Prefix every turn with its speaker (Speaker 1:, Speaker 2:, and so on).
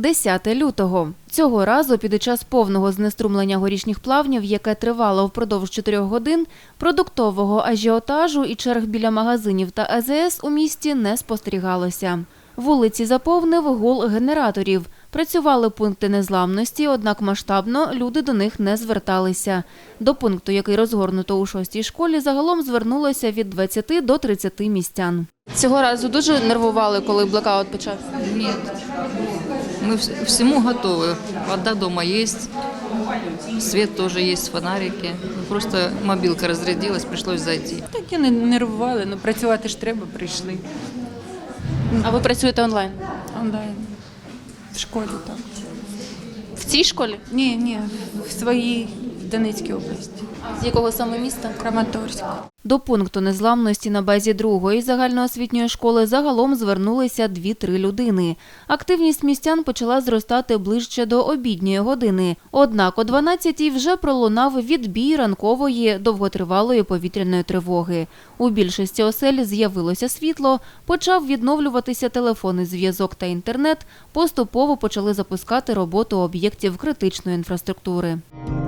Speaker 1: 10 лютого. Цього разу під час повного знеструмлення горішніх плавнів, яке тривало впродовж 4 годин, продуктового ажіотажу і черг біля магазинів та АЗС у місті не спостерігалося. Вулиці заповнив гул генераторів. Працювали пункти незламності, однак масштабно люди до них не зверталися. До пункту, який розгорнуто у 6-й школі, загалом звернулося від 20 до 30 містян. Цього разу дуже нервували, коли блекаут почався?
Speaker 2: Нет. Мы всему готовы. Вода дома есть, свет тоже есть, фонарики. Просто мобилка разрядилась, пришлось зайти.
Speaker 3: Такі не нервували, але працювати ж треба, прийшли.
Speaker 1: А ви працюєте онлайн?
Speaker 3: Онлайн. В школі так.
Speaker 1: В цій школі?
Speaker 3: Ні, в своїй в Донецькій області.
Speaker 1: З якого саме міста?
Speaker 3: Краматорськ.
Speaker 1: До пункту незламності на базі 2-ї загальноосвітньої школи загалом звернулися 2-3 людини. Активність містян почала зростати ближче до обідньої години. Однак о 12-й вже пролунав відбій ранкової довготривалої повітряної тривоги. У більшості осель з'явилося світло, почав відновлюватися телефонний зв'язок та інтернет, поступово почали запускати роботу об'єктів критичної інфраструктури.